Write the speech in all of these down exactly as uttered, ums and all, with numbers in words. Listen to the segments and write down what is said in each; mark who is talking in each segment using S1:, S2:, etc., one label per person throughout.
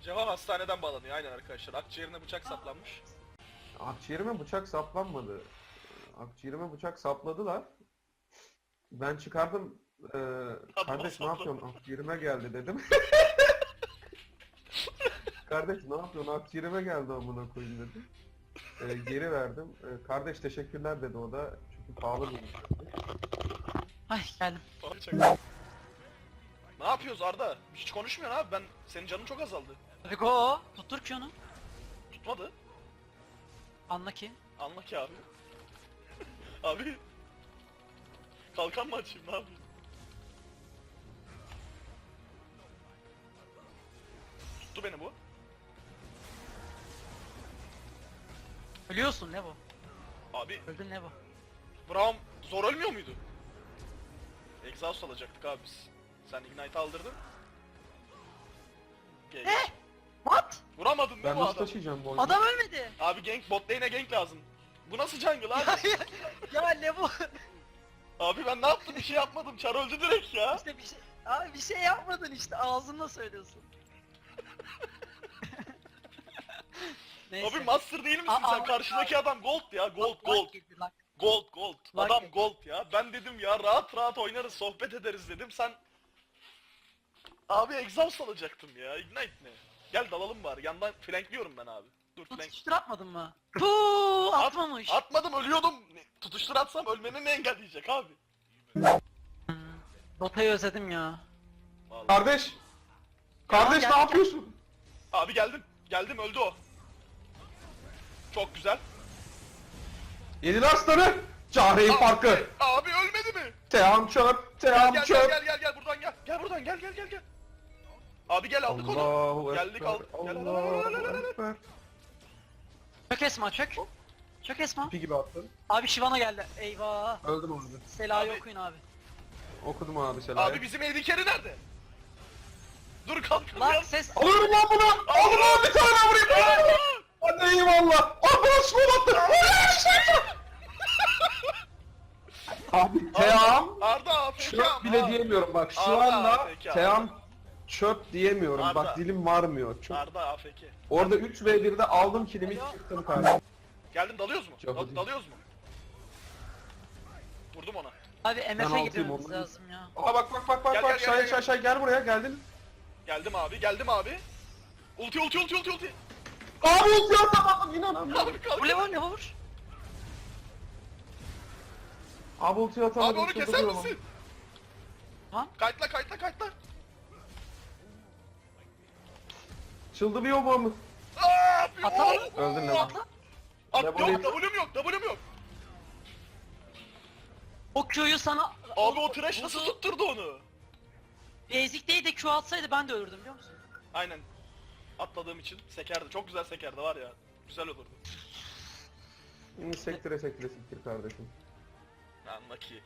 S1: Cevap hastaneden bağlanıyor aynen arkadaşlar. Akciğerine bıçak saplanmış.
S2: Akciğerime bıçak saplanmadı. Akciğerime bıçak sapladılar. Ben çıkardım. Ee, kardeş ne yapıyorsun? Akciğerime geldi dedim. Kardeş ne yapıyorsun? Akciğerime geldi amına koyayım dedim. Ee, geri verdim. Ee, kardeş teşekkürler dedi o da. Çünkü pahalı bir
S3: Ay geldim.
S1: Ne yapıyoruz Arda? Hiç konuşmuyorsun abi. Ben senin canın çok azaldı.
S3: Hadi go. Tuttur ki onu.
S1: Tutmadı.
S3: Anla ki.
S1: Anla ki abi. Abi. Kalkan mı açayım ne yapayım? Tuttu beni bu.
S3: Ölüyorsun ne bu?
S1: Abi
S3: Öldün ne bu?
S1: Braum zor ölmüyor muydu? Exhaust alacaktık abi biz. Sen Ignite aldırdın. Gank.
S3: Ne? What?
S1: Vuramadın değil
S2: Ben
S1: mi
S2: nasıl
S1: adam?
S2: taşıyacağım bu oyunu?
S3: Adam ölmedi.
S1: Abi gank, bot lane'e gank lazım. Bu nasıl jungle abi?
S3: Ya ne bu?
S1: Abi ben ne yaptım? Bir şey yapmadım. Char öldü direkt ya.
S3: İşte bir şey... Abi bir şey yapmadın işte ağzınla söylüyorsun. Neyse.
S1: Abi master değil misin
S3: Aa,
S1: sen?
S3: aa,
S1: Karşıdaki adam gold ya. Gold
S3: Bak,
S1: gold.
S3: bak girdi, bak.
S1: Gold gold.
S3: Bak
S1: Adam
S3: ya.
S1: gold ya. Ben dedim ya rahat rahat oynarız, sohbet ederiz dedim. Sen abi exhaust alacaktım ya. Ignite ne? Gel dalalım bari. Yandan flankliyorum ben abi. Dur flank.
S3: Tutuştur atmadın mı? Puuu
S1: At-
S3: atmamış.
S1: Atmadım ölüyordum. Ne- Tutuştur atsam ölmeni ne engelleyecek abi?
S3: Hmm, Dota'yı özledim ya.
S1: Vallahi.
S2: Kardeş! Kardeş
S3: Ya,
S2: ne
S3: gel-
S2: yapıyorsun?
S1: Abi geldim. Geldim öldü o. Çok güzel.
S2: Yedin aslanı! Cahreyn farkı!
S1: Abi ölmedi mi?
S2: Team çöp!
S1: Gel
S2: Team
S1: gel gel
S2: çöp!
S1: gel gel gel buradan gel. Gel buradan gel gel gel gel. Abi gel aldık onu.
S2: Allahu
S1: Geldik,
S2: Ekber,
S1: aldık. Gel, gel, gel,
S2: Allahu
S1: gel, gel, gel.
S2: Ekber.
S3: Çök Esma çök. Çök Esma.
S2: Pi gibi attın.
S3: Abi Şivana geldi. Eyvah.
S2: Öldüm orada.
S3: Sela'yı
S1: Abi-
S3: okuyun abi.
S2: Okudum abi Sela'yı.
S1: Abi bizim Eddie Carey nerede? Dur kalk
S3: Lan
S1: kalk.
S3: ses.
S2: Alıyorum lan bunu! Aldım lan bir tane vurayım! Hadi eyvallah! Arkadaş gol attı! Abi Team
S1: Arda A F K
S2: çöp
S1: ama.
S2: bile diyemiyorum bak şu
S1: Arda
S2: anda
S1: A F K,
S2: Team çöp diyemiyorum
S1: Arda.
S2: bak dilim varmıyor. Çok...
S1: Arda A F K.
S2: Orada üç ve birde aldım kilimi çıktım kardeşim.
S1: Geldim dalıyoruz mu?
S2: Çok
S1: Dal-
S2: iyi.
S1: dalıyoruz mu? Vurdum ona.
S3: Abi
S2: Ben
S3: M F'e
S2: altıyım,
S3: gitmemiz
S2: ondan-
S3: lazım ya.
S2: Aa bak bak bak bak
S1: Gel,
S2: bak
S1: gel, gel,
S2: şay
S1: gel,
S2: şay şay gel buraya geldin.
S1: Geldim abi, geldim abi. Ulti ulti ulti ulti ulti.
S2: Abi ulti atamadım inanamıyorum.
S1: Abi kalk.
S3: Bu ne var ne var?
S2: Abi ulti atamadım.
S1: Abi onu keser
S2: çıldırıyorum.
S1: misin?
S3: Lan
S1: Kayıtla kayıtla kayıtla.
S2: Çıldırıyor bu mu?
S1: Aaa!
S3: Atla.
S2: Öldün lan.
S3: atla.
S1: At
S2: Ne
S1: yok,
S2: bulayım?
S1: W'm yok, W'm yok.
S3: O Q'yu sana...
S1: Abi o trash nasıl tutturdu onu?
S3: Basic değil de Q atsaydı ben de ölürdüm biliyor musun?
S1: Aynen. Atladığım için sekerdi. Çok güzel sekerdi var ya. Güzel olurdu.
S2: Hı, Sektire sektire sektir kardeşim.
S1: Anla ki.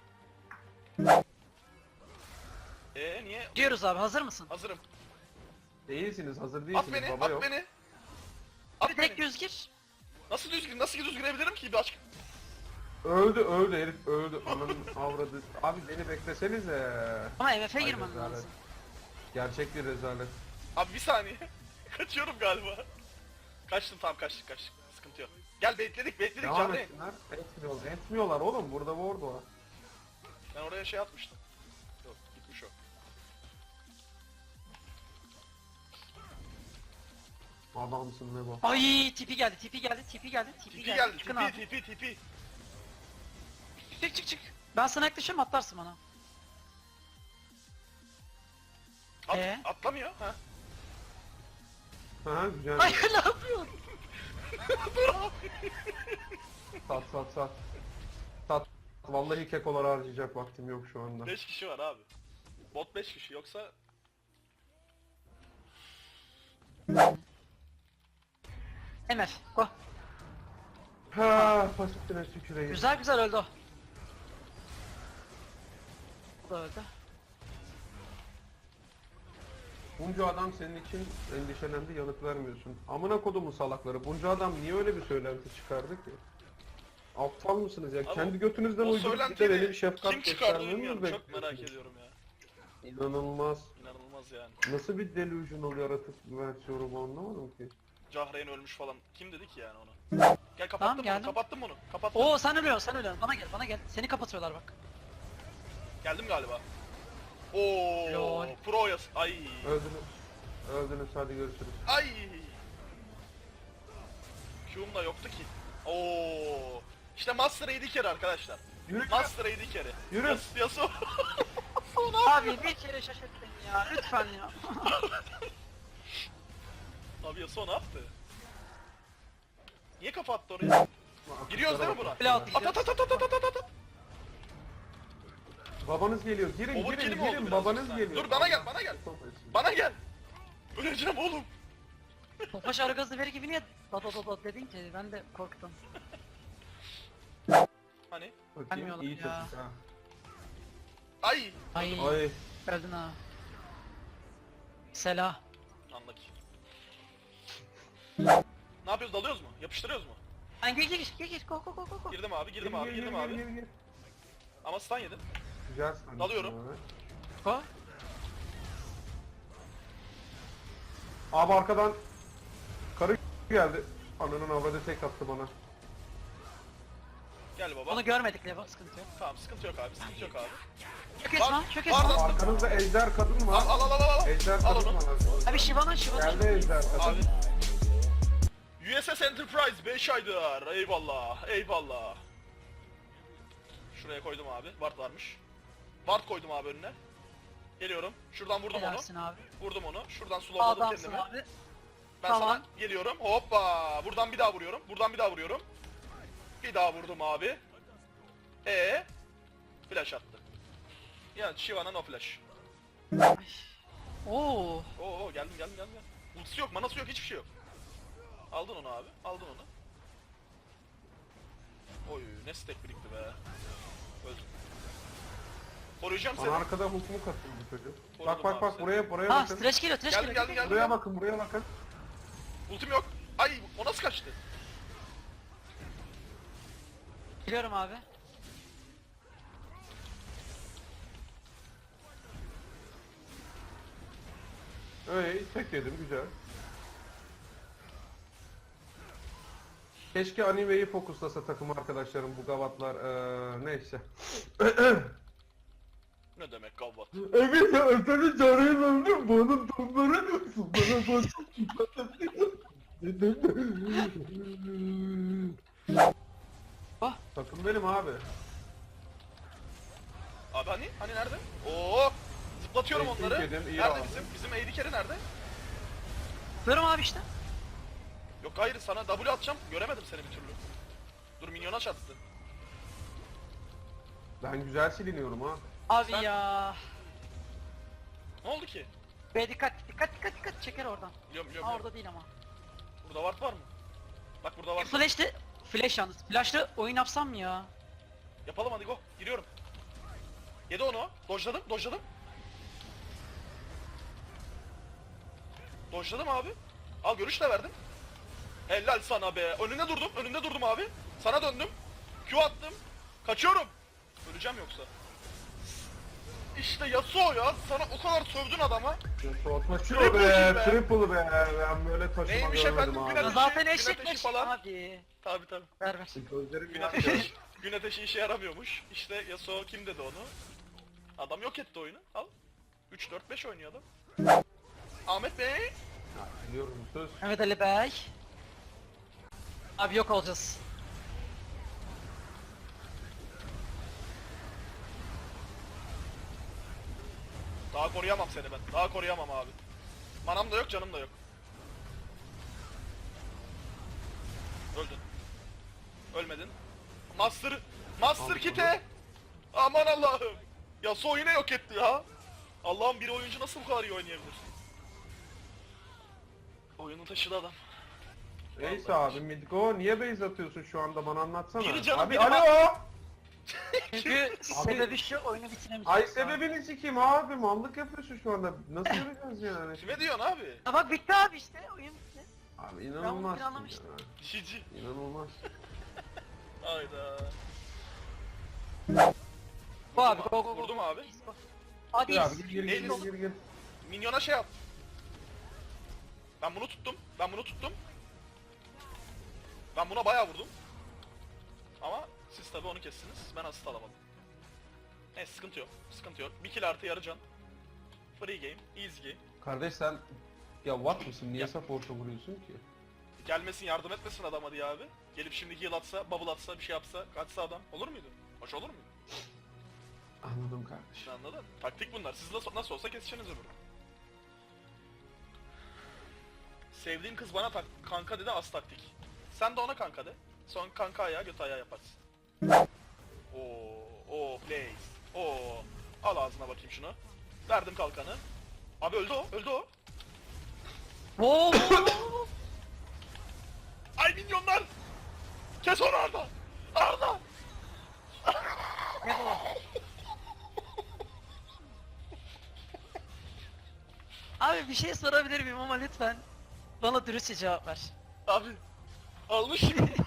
S1: Eee niye?
S3: Diyoruz abi hazır mısın?
S1: Hazırım.
S2: Değilsiniz hazır
S1: At
S2: değilsiniz
S1: beni,
S2: baba
S1: at
S2: yok.
S1: beni. At
S3: Abi tek
S1: beni.
S3: düz gir.
S1: Nasıl düzgün, nasıl düz girebilirim ki bir aşk?
S2: Öldü öldü herif öldü ananın avradı. Abi beni beklesenize.
S3: Ama M F'e
S2: Ay,
S3: girmem
S2: rezalet.
S3: lazım.
S2: Gerçek bir rezalet.
S1: Abi bir saniye. Kaçıyorum galiba. Kaçtım tamam kaçtık kaçtık. Sıkıntı yok. Gel bekledik bekledik
S2: Devam
S1: canlı.
S2: etsinler. Etmiyorlar. Etmiyorlar oğlum burada ward var.
S1: Ben oraya şey atmıştım. Yok gitmiş o.
S2: Adamsın ne bu?
S3: Ay tipi geldi tipi geldi tipi geldi tipi,
S1: Tipi
S3: geldi.
S1: geldi
S3: Çıkın
S1: tipi
S3: abi.
S1: tipi tipi.
S3: Çık çık çık. Ben sana yaklaşırım atlarsın bana.
S1: At,
S3: Ee?
S1: Atlamıyor ha.
S2: Ha güzel.
S3: Hayır ne yapıyorsun?
S2: Sat sat sat. Sat. Vallahi kekolar harcayacak vaktim yok şu anda.
S1: beş kişi var abi. Bot beş kişi yoksa
S3: M F go.
S2: Ha pasifine tüküreyim.
S3: Güzel güzel öldü o. O da öldü.
S2: Bunca adam senin için endişelendi yanıt vermiyorsun. Amına kodumun salakları. Bunca adam niye öyle bir söylenti çıkardı ki? Aptal mısınız ya?
S1: Abi,
S2: Kendi götünüzden
S1: o
S2: uydurup bir de
S1: söylentiyi
S2: beni bir şefkat
S1: kim çıkardı
S2: göstermemi mi
S1: bilmiyorum. Çok merak
S2: bekliyorsunuz?
S1: ediyorum ya.
S2: İnanılmaz.
S1: İnanılmaz yapamaz yani.
S2: Nasıl bir delusional yaratık versiyonu bu anlamadım ki.
S1: Cahreyn ölmüş falan. Kim dedi ki yani onu? Gel kapattım
S3: Tamam,
S1: bunu,
S3: geldim.
S1: kapattım bunu. Kapattım.
S3: Oo sen ölüyorsun sen ölüyorsun. Bana gel bana gel. Seni kapatıyorlar bak.
S1: Geldim galiba. Oo,
S3: Lol.
S1: pro yas. Ay.
S2: Öldünüz. Öldünüz, hadi görüşürüz.
S1: Ay. Q'um da yoktu ki. Oo. İşte Master A D carry arkadaşlar.
S2: Yürü.
S1: Master A D carry.
S2: Yürü.
S1: Yas Yasuo.
S3: Abi bir kere şaşırt beni ya lütfen ya.
S1: Abi Yasuo ne yaptı? Niye kafa attı oraya? Giriyoruz değil mi buna?
S3: Bile altı
S1: At at at at at at at at.
S2: Babanız geliyor. Girin,
S1: Overkill
S2: girin,
S1: mi oldu
S2: girin.
S1: biraz
S2: Babanız
S1: sen?
S2: geliyor.
S1: Dur, bana gel, bana gel. Bana gel. Öleceğim oğlum.
S3: Topaş ara gazı veri gibi niye dot dot dot dedin ki ben de korktum.
S1: Hani?
S2: Bakayım,
S3: Gelmiyorlar
S2: iyi
S3: ya.
S2: çocuk ha.
S1: Ay.
S3: Ay
S2: Ay.
S3: öldün ha. Selah.
S1: Anladık. Ne yapıyoruz, dalıyoruz mu? Yapıştırıyoruz mu?
S3: Ay gir gir gir gir go go go go go.
S1: Girdim abi, girdim
S2: Gir,
S1: abi,
S2: gir,
S1: girdim
S2: gir,
S1: abi.
S2: gir, gir.
S1: Ama stun yedim.
S2: Güzel sandım.
S1: Dalıyorum.
S2: Abi.
S3: Go.
S2: Abi arkadan karı geldi. Ananın avradı tek attı bana.
S1: Gel baba.
S3: Onu görmedik Leva sıkıntı yok.
S1: Tamam, sıkıntı yok abi, sıkıntı yok abi.
S3: Çök esma
S1: Var-
S3: çök
S1: var
S3: esma.
S1: da-
S2: Arkanızda ejder kadın var.
S1: Al al al al al.
S2: Ejder
S1: Al
S2: kadın
S1: onu.
S2: var.
S3: Abi Shiva'nın Shiva'nın.
S2: Geldi ejder kadın.
S1: Abi. U S S Enterprise beş aydır. Eyvallah, eyvallah. Şuraya koydum abi. Ward varmış. Ward koydum abi önüne. Geliyorum. Şuradan vurdum onu.
S3: Helalsin abi.
S1: Vurdum onu. Şuradan slowladım
S3: Adamsın
S1: kendimi.
S3: abi.
S1: Ben
S3: Tamam.
S1: sana geliyorum. Hoppa. Buradan bir daha vuruyorum. Buradan bir daha vuruyorum. Bir daha vurdum abi. E flash attı. Yani Shiva'na no flash.
S3: Oo.
S1: Oo geldim geldim geldim. Ultisi yok, manası yok, hiçbir şey yok. Aldın onu abi. Aldın onu. Oy ne stack birikti be. Öldüm. Koruyacağım
S2: Bana
S1: seni.
S2: arkada hukmu katıldı çocuk.
S1: Korudum
S2: Bak bak
S1: abi
S2: bak
S1: seni.
S2: buraya buraya
S3: Ha
S2: bakın.
S3: streç geliyor streç
S1: Geldim,
S3: geliyor.
S1: geldim, geldim.
S2: Buraya bakın buraya bakın.
S1: Ultim yok. Ay o nasıl kaçtı?
S3: Geliyorum abi.
S2: Öyle tek yedim güzel. Keşke animeyi fokuslasa takım arkadaşlarım bu gavatlar eee neyse.
S1: Ne demek kavvat?
S2: Evet ya seni çağırayım öldüm bunun tonları bana
S3: Ah.
S2: Takım benim abi.
S1: Abi hani? Hani nerede? Oo! Zıplatıyorum
S2: Eksik
S1: onları.
S2: yedim, iyi
S1: Nerede
S2: aldım.
S1: bizim? Bizim A D carry nerede?
S3: Görüyorum abi işte.
S1: Yok hayır, sana W atacağım. Göremedim seni bir türlü. Dur, minyona çattı.
S2: Ben güzel siliniyorum ha.
S3: Abi
S1: Sen-
S3: ya.
S1: Ne oldu ki?
S3: Be dikkat dikkat dikkat dikkat çeker oradan.
S1: Biliyorum biliyorum.
S3: Ha
S1: biliyorum.
S3: orada değil ama.
S1: Burada ward var mı? Bak burada var.
S3: Flash'te flash yalnız. Flash'lı oyun yapsam mı ya?
S1: Yapalım hadi go. Giriyorum. Yedi onu. Dojladım, dojladım. Dojladım abi. Al görüş de verdim. Helal sana be. Önünde durdum, önünde durdum abi. Sana döndüm. Q attım. Kaçıyorum. Öleceğim yoksa. İşte Yasuo ya. Sana o kadar sövdün adama.
S2: Taşıyor
S1: Triple
S2: be,
S1: kill be.
S2: triple be. Ben böyle taşıma
S1: Neymiş
S2: görmedim
S1: efendim,
S2: abi.
S1: gün
S3: Ya
S1: ateşi,
S3: zaten
S1: gün
S3: eşek
S1: ateşi
S3: meşek
S1: falan.
S3: abi.
S1: Tabi tabi.
S3: Ver ver.
S2: Gözlerim
S1: Gün
S2: yanıyor.
S1: ateşi, gün ateşi işe yaramıyormuş. İşte Yasuo kim dedi onu? Adam yok etti oyunu. Al. üç dört beş oynuyor adam. Ahmet Bey.
S2: Ya, biliyorum söz.
S3: Mehmet Ali Bey. Abi yok olacağız.
S1: Daha koruyamam seni ben. Daha koruyamam abi. Manam da yok, canım da yok. Öldün. Ölmedin. Master, Master
S2: Aldım
S1: Kit'e. Aman Allah'ım. Yasuo yine yok etti ya. Allah'ım, bir oyuncu nasıl bu kadar iyi oynayabilir? Oyunu taşıdı adam.
S2: Neyse abi Midgo niye base atıyorsun şu anda bana anlatsana.
S1: Biri canım,
S2: abi
S1: biri
S2: alo.
S3: Çünkü sebebi şu oyunu bitiremeyeceğiz.
S2: Ay sebebini sikeyim abi mallık yapıyorsun şu anda. Nasıl yapacağız yani?
S1: Kime diyorsun abi?
S3: Ha bak bitti abi işte oyun bitti.
S2: Abi
S3: Ben bunu
S2: inanılmaz.
S3: planlamıştım.
S2: ya.
S1: Şici.
S2: İnanılmaz.
S1: Hayda.
S3: Bu abi
S1: Vurdum
S3: go go go.
S1: Vurdum abi.
S3: Hadi
S2: Gir abi gir gir gir
S1: Elis.
S2: gir gir.
S1: Minyona şey at. Ben bunu tuttum. Ben bunu tuttum. Ben buna bayağı vurdum. Ama siz tabi onu kestiniz. Ben asist alamadım. Neyse sıkıntı yok. Sıkıntı yok. Bir kill artı yarı can. Free game. Easy game.
S2: Kardeş sen ya what mısın? Niye
S1: Ya.
S2: support'a vuruyorsun ki?
S1: Gelmesin yardım etmesin adama diye abi. Gelip şimdi heal atsa, bubble atsa, bir şey yapsa, kaçsa adam. Olur muydu? Hoş olur muydu?
S2: Anladım kardeş.
S1: Anladın? Taktik bunlar. Siz nasıl, nasıl olsa keseceksiniz öbürü. Sevdiğim kız bana tak kanka dedi, az taktik. Sen de ona kanka de. Son kanka ayağı göt ayağı yaparsın. Oo, oo, place. Oo. Al ağzına bakayım şunu. Verdim kalkanı. Abi öldü o, öldü o.
S3: Wow.
S1: Ay minyonlar! Kes onu Arda! Arda!
S3: Ne bu? Abi bir şey sorabilir miyim ama lütfen bana dürüstçe cevap ver.
S1: Abi almış.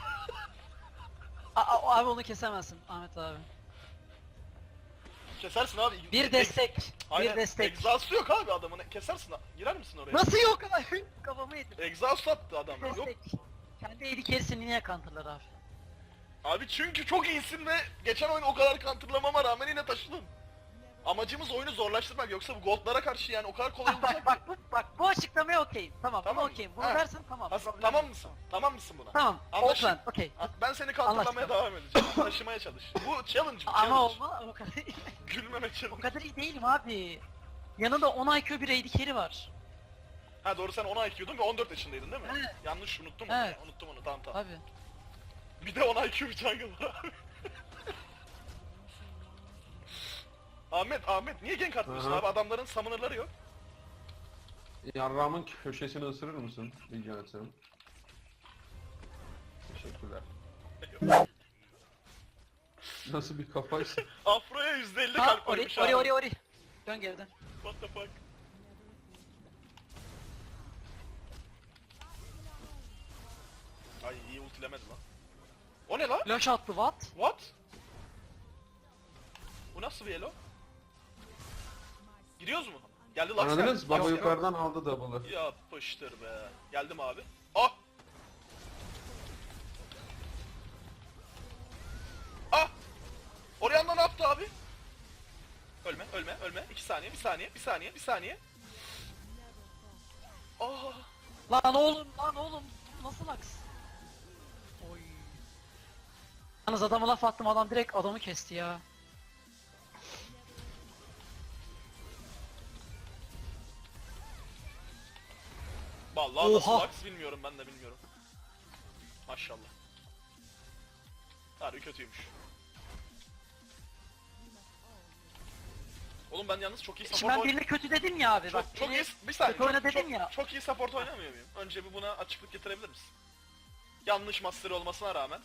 S3: A- a- abi onu kesemezsin Ahmet abi.
S1: Kesersin abi.
S3: Bir destek.
S1: Aynen.
S3: Bir destek.
S1: Exhaust'u yok abi adamın. Kesersin. Girer misin oraya?
S3: Nasıl yok abi? Kafamı yedim.
S1: Exhaust attı adam. Yok.
S3: Destek. Kendi eli kerisini niye counterlar abi?
S1: Abi çünkü çok iyisin ve geçen oyun o kadar counterlamama rağmen yine taşıdın. Amacımız oyunu zorlaştırmak, yoksa bu goldlara karşı yani o kadar kolay
S3: bak
S1: olacak.
S3: bak bu, bak bu açıklamaya okeyim. Tamam,
S1: Tamam
S3: bunu
S1: mı?
S3: okeyim. Bunu
S1: Ha.
S3: dersen tamam.
S1: Has-
S3: problem
S1: tamam
S3: yok.
S1: mısın? Tamam mısın buna?
S3: Tamam.
S1: Anlaştık.
S3: Oakland, okey.
S1: Ha, Ben seni counterlamaya
S3: Anlaştık.
S1: devam edeceğim. Taşımaya çalış. Bu challenge bu challenge.
S3: Ama olma o kadar
S1: Gülmeme
S3: o
S1: challenge.
S3: kadar iyi değilim abi. Yanında on I Q bir A D carry var.
S1: Ha doğru, sen on I Q'dun ve on dört yaşındaydın değil mi?
S3: Evet.
S1: Yanlış unuttum
S3: Evet.
S1: onu. Unuttum onu, tamam tamam.
S3: Abi.
S1: Bir de on I Q bir jungle var abi. Ahmet, Ahmet niye gank atmıyorsun
S2: Aha.
S1: abi? Adamların summoner'ları yok.
S2: Yarrağımın köşesini ısırır mısın? Rica etsem. Teşekkürler. Nasıl bir kafaysa?
S1: Afro'ya yüzde elli
S3: Ha,
S1: kalp
S3: ori,
S1: koymuş
S3: ori,
S1: abi.
S3: ori, ori. Dön geriden.
S1: What the fuck? Ay iyi ultilemedi lan. O ne lan?
S3: Flash attı what?
S1: What? Bu nasıl bir elo? Giriyoruz mu? Geldi Lux
S2: Anladınız?
S1: geldi.
S2: Baba
S1: Lux
S2: yukarıdan aldı double'ı.
S1: geldi. Yapıştır be. Geldim abi. Ah! Ah! Orianna ne yaptı abi? Ölme, ölme, ölme. İki saniye, bir saniye, bir saniye, bir saniye. Ah!
S3: Lan oğlum, lan oğlum. Nasıl aks? Oy. Yalnız adama laf attım, adam direkt adamı kesti ya.
S1: Vallahi nasıl
S3: Oha!
S1: Lux bilmiyorum, ben de bilmiyorum. Maşallah. Harbi kötüymüş. Oğlum ben yalnız çok iyi
S3: Şimdi
S1: support
S3: ben
S1: oyn-
S3: birine kötü dedim ya abi.
S1: Çok,
S3: bak,
S1: çok
S3: beni
S1: iyi, bir saniye,
S3: kötü oyna
S1: çok,
S3: dedim
S1: çok,
S3: ya.
S1: çok iyi support oynamıyor muyum? Önce bir buna açıklık getirebilir misin? Yanlış master olmasına rağmen.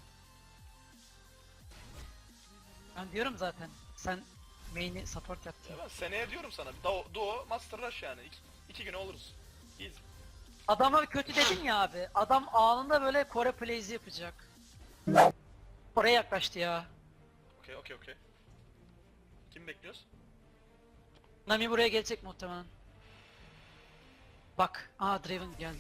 S3: Ben diyorum zaten. Sen main'i support yaptın.
S1: Ya ben seneye diyorum sana, duo, duo master rush yani. İki, iki güne oluruz. Easy.
S3: Adama kötü dedim ya abi. Adam anında böyle Kore plays yapacak. Oraya yaklaştı ya.
S1: Okey, okey, okey. Kim bekliyoruz?
S3: Nami buraya gelecek muhtemelen. Bak, aa Draven geldi.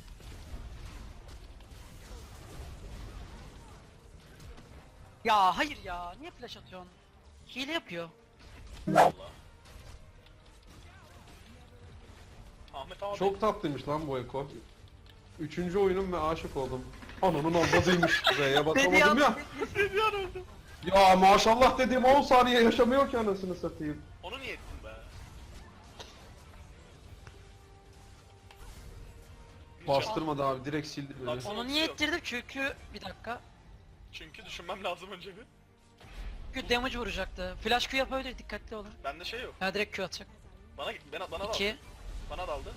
S3: Ya hayır ya, niye flash atıyorsun? Hile yapıyor.
S1: Allah. Ahmet abi.
S2: Çok tatlıymış lan bu Eko. Üçüncü oyunum ve aşık oldum. Ananın avradıymış. R'ye basamadım ya.
S1: Bir an öldüm.
S2: Ya maşallah dediğim on saniye yaşamıyor ki anasını satayım.
S1: Onu niye ettin be?
S2: Bastırmadı abi, direkt sildi beni.
S1: Baksana.
S3: Onu
S1: Yok.
S3: niye ettirdim çünkü bir dakika.
S1: Çünkü düşünmem lazım önce bir.
S3: Çünkü damage vuracaktı. Flash Q yapabilir, dikkatli olun.
S1: Bende şey yok.
S3: Ya direkt Q atacak.
S1: Bana bana bana daldı.
S3: İki.
S1: Bana daldı.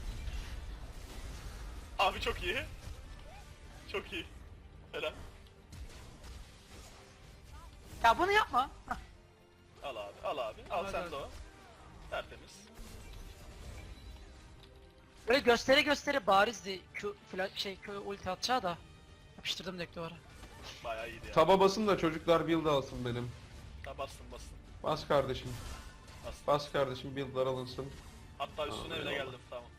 S1: Abi çok iyi. Çok iyi. Helal.
S3: Ya bunu yapma. Hah.
S1: Al abi, al abi. Al
S3: Hadi,
S1: sen
S3: hadi.
S1: de o. Tertemiz.
S3: Böyle göstere göstere barizdi Q flash şey Q ulti atacağı da. Yapıştırdım direkt duvara.
S1: Bayağı iyiydi ya.
S2: Taba basın da çocuklar build alsın benim.
S1: Ta bastım bastım.
S2: Bas kardeşim.
S1: Bastım.
S2: Bas kardeşim, build'lar alınsın.
S1: Hatta üstüne
S2: Tamam,
S1: bile
S2: eyvallah.
S1: geldim, tamam.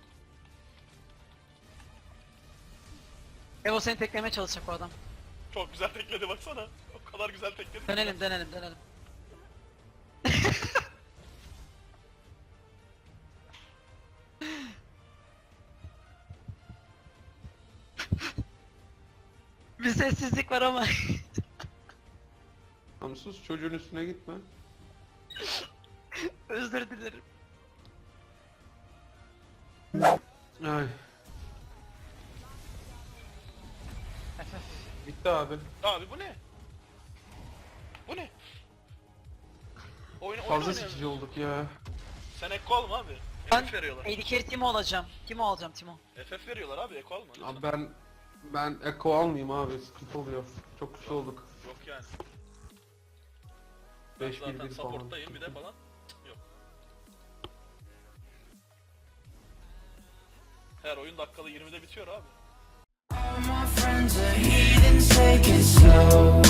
S3: Evo seni teklemeye çalışacak o adam.
S1: Çok güzel tekledi baksana. O kadar güzel tekledi. ki.
S3: Dönelim dönelim dönelim. Bir sessizlik var ama.
S2: Tamam sus, çocuğun üstüne gitme.
S3: Özür dilerim.
S2: Ay. Bitti abi.
S1: Abi bu ne? Bu ne? Oyun, oyun
S2: Fazla
S1: oynayalım.
S2: sikici olduk ya.
S1: Sen Eko alma abi.
S3: Ben
S1: F F veriyorlar.
S3: A D carry Timo olacağım. Timo alacağım Timo.
S1: F F veriyorlar abi, Eko alma. lütfen.
S2: Abi ben ben Eko almayayım abi, sıkıntı oluyor. Çok güçlü olduk.
S1: Yok yani. Ben
S2: beş bir
S1: zaten
S2: bir falan.
S1: supporttayım bir de falan. Yok. Her oyun dakikalı yirmide bitiyor abi.
S4: All my friends are heathens, take it slow.